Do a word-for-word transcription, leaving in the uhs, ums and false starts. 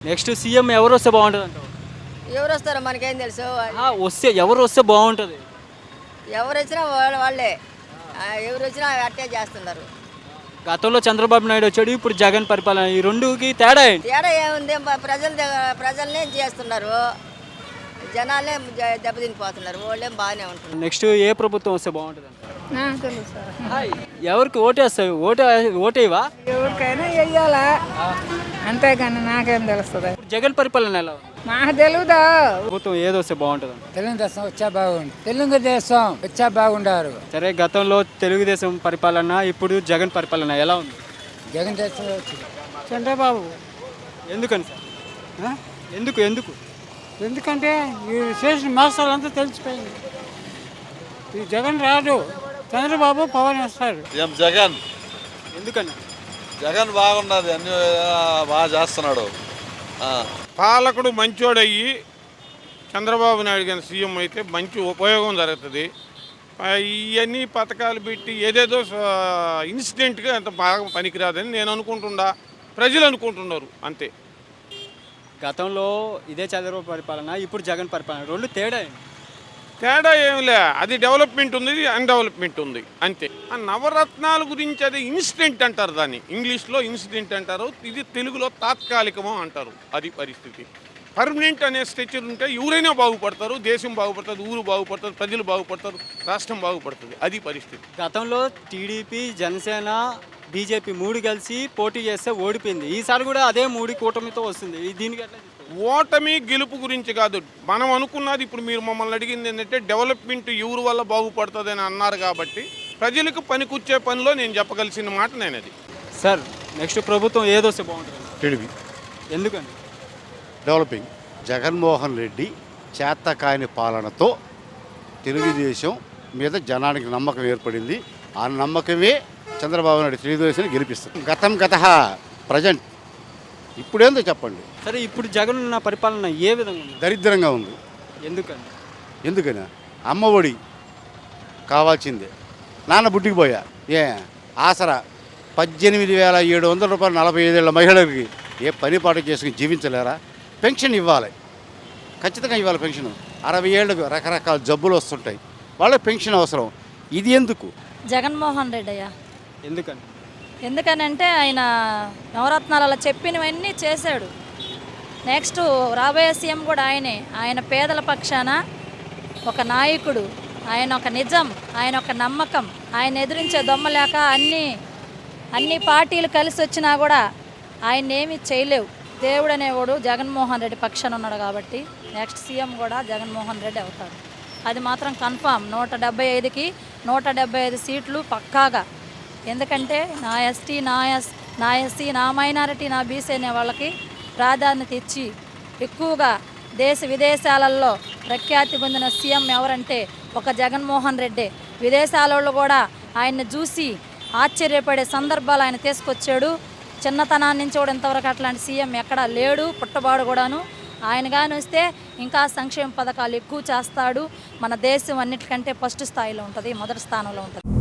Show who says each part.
Speaker 1: Next CM ఎవరు వస్తే బాగుంటుంది అంటావు?
Speaker 2: ఎవరు వస్తారో మనకేం తెలుసు.
Speaker 1: ఆ, వస్తే ఎవరు వస్తే బాగుంటుంది?
Speaker 2: ఎవరు వచ్చినా వాళ్ళ వాళ్ళే ఆ, ఎవరు వచ్చినా అట్టే చేస్తున్నారు.
Speaker 1: గతంలో చంద్రబాబు నాయుడు వచ్చాడు, ఇప్పుడు జగన్ పరిపాలన, ఈ రెండుకి తేడా ఏంటి?
Speaker 2: తేడా ఏముంది, ప- ప్రజల దగ్గర- ప్రజల్నే చేస్తున్నారు, జనాలే జ- దెబ్బతినిపోతున్నారు. వాళ్ళేం బాగానే ఉంటున్నారు.
Speaker 1: నెక్స్ట్ ఏ ప్రభుత్వం వస్తే బాగుంటుంది అంటావు?
Speaker 3: నాకు తెలుసు సార్.
Speaker 1: హాయ్, ఎవరికి ఓటేస్తావు? ఓటే ఓటేవా?
Speaker 3: ఎవరికైనా వెయ్యాలా, అంతేగాని నాకేం తెలుస్తుంది.
Speaker 1: ఇప్పుడు జగన్ పరిపాలన ఎలా ఉంది?
Speaker 3: నాకు తెలుదా.
Speaker 1: ప్రభుత్వం ఏది వస్తే బాగుంటుంది అంటావు?
Speaker 4: తెలుగుదేశం వచ్చా బాగుంది. తెలుగుదేశం వచ్చా బాగుండారు.
Speaker 1: సరే, గతంలో తెలుగుదేశం పరిపాలన, ఇప్పుడు జగన్ పరిపాలన ఎలా ఉంది?
Speaker 4: జగన్ దేశం వచ్చి
Speaker 3: చంద్రబాబు.
Speaker 1: ఎందుకని సార్? ఎందుకు ఎందుకు
Speaker 3: ఎందుకంటే ఈ చేసిన మోసాలంతా తెలిసిపోయింది. ఈ జగన్ రాడు, చంద్రబాబు పవన్ వస్తారు.
Speaker 5: ఏం జగన్
Speaker 1: ఎందుకని?
Speaker 5: జగన్ బాగున్నది, అన్ని బాగా చేస్తున్నాడు. ఆ.
Speaker 6: పాలకుడు మంచోడయ్యి చంద్రబాబు నాయుడు గారి సీఎం అయితే మంచి ఉపయోగం జరుగుతుంది. ఇవన్నీ పథకాలు పెట్టి ఏదేదో ఇన్సిడెంట్గా అంత బాగా పనికిరాదని నేను అనుకుంటుండా, ప్రజలు అనుకుంటున్నారు అంతే.
Speaker 1: గతంలో ఇదే చంద్రబాబు పరిపాలన, ఇప్పుడు జగన్ పరిపాలన, రెండు తేడా ఏంటి?
Speaker 6: తేడా ఏమిలే, అది డెవలప్మెంట్ ఉంది, ఇది అన్డెవలప్మెంట్ ఉంది అంతే. ఆ నవరత్నాల గురించి అది ఇన్సిడెంట్ అంటారు, దాన్ని ఇంగ్లీష్లో ఇన్సిడెంట్ అంటారు, ఇది తెలుగులో తాత్కాలికమో అంటారు. అది పరిస్థితి. పర్మనెంట్ అనే స్ట్రక్చర్ ఉంటే ఎవరైనా బాగుపడతారు, దేశం బాగుపడుతుంది, ఊరు బాగుపడుతుంది, ప్రజలు బాగుపడతారు, రాష్ట్రం బాగుపడుతుంది. అది పరిస్థితి.
Speaker 1: గతంలో టీడీపీ, జనసేన, బీజేపీ మూడు కలిసి పోటీ చేస్తే ఓడిపోయింది. ఈసారి కూడా అదే మూడు కూటమితో వస్తుంది. ఈ దీనికి ఎట్లా చూస్తారు?
Speaker 6: ఓటమి గెలుపు గురించి కాదు, మనం అనుకున్నది. ఇప్పుడు మీరు మమ్మల్ని అడిగింది ఏంటంటే డెవలప్మెంట్ ఎవరి వల్ల బాగుపడుతుంది అని అన్నారు కాబట్టి ప్రజలకు పనికొచ్చే పనిలో నేను చెప్పగలిసిన మాట నేను అది.
Speaker 1: సార్, నెక్స్ట్ ప్రభుత్వం ఏదొస్తే బాగుంటుంది?
Speaker 7: టీడీపీ
Speaker 1: ఎందుకని?
Speaker 7: డెవలపింగ్. జగన్మోహన్ రెడ్డి చేతకాని పాలనతో తెలుగుదేశం మీద జనానికి నమ్మకం ఏర్పడింది. ఆ నమ్మకమే చంద్రబాబు నాయుడు తెలుగుదేశాన్ని గెలిపిస్తుంది. గతం గత ప్రజెంట్ ఇప్పుడేందో చెప్పండి.
Speaker 1: సరే, ఇప్పుడు జగన్ ఉన్న పరిపాలన ఏ విధంగా ఉంది?
Speaker 7: దరిద్రంగా ఉంది.
Speaker 1: ఎందుకని?
Speaker 7: ఎందుకని? అమ్మఒడి కావాల్సిందే. నాన్న బుడ్డికి పోయా, ఏ ఆసరా పద్దెనిమిది వేల ఏడు వందల రూపాయలు నలభై ఐదేళ్ల మహిళలకి ఏ పని పాట చేసుకుని జీవించలేరా? పెన్షన్ ఇవ్వాలి, ఖచ్చితంగా ఇవ్వాలి పెన్షన్. అరవై ఏళ్ళకు రకరకాల జబ్బులు వస్తుంటాయి, వాళ్ళకి పెన్షన్ అవసరం. ఇది ఎందుకు?
Speaker 8: జగన్మోహన్ రెడ్డి అయ్యా.
Speaker 1: ఎందుకని?
Speaker 8: ఎందుకనంటే ఆయన నవరత్నాలు అలా చెప్పినవన్నీ చేశాడు. నెక్స్ట్ రాబోయే సీఎం కూడా ఆయనే. ఆయన పేదల పక్షాన ఒక నాయకుడు, ఆయన ఒక నిజం, ఆయన ఒక నమ్మకం. ఆయన ఎదిరించే దొమ్మ లేక అన్ని అన్ని పార్టీలు కలిసి వచ్చినా కూడా ఆయన ఏమీ చేయలేవు. దేవుడు అనేవాడు జగన్మోహన్ రెడ్డి పక్షాన ఉన్నాడు కాబట్టి నెక్స్ట్ సీఎం కూడా జగన్మోహన్ రెడ్డి అవుతాడు. అది మాత్రం కన్ఫామ్. నూట డెబ్బై ఐదుకి నూట డెబ్బై ఐదు సీట్లు పక్కాగా. ఎందుకంటే నా ఎస్టీ, నా ఎస్ నా ఎస్సీ, నా మైనారిటీ, నా బీసీ అనే వాళ్ళకి ప్రాధాన్యత ఇచ్చి ఎక్కువగా దేశ విదేశాలలో ప్రఖ్యాతి పొందిన సీఎం ఎవరంటే ఒక జగన్మోహన్ రెడ్డి. విదేశాలలో కూడా ఆయన్ని చూసి ఆశ్చర్యపడే సందర్భాలు ఆయన తీసుకొచ్చాడు. చిన్నతనాన్ని నుంచి కూడా ఇంతవరకు అట్లాంటి సీఎం ఎక్కడా లేడు, పుట్టబాడు కూడాను. ఆయన కానీ వస్తే ఇంకా సంక్షేమ పథకాలు ఎక్కువ చేస్తాడు. మన దేశం అన్నిటికంటే ఫస్ట్ స్థాయిలో ఉంటుంది, మొదటి స్థానంలో ఉంటుంది.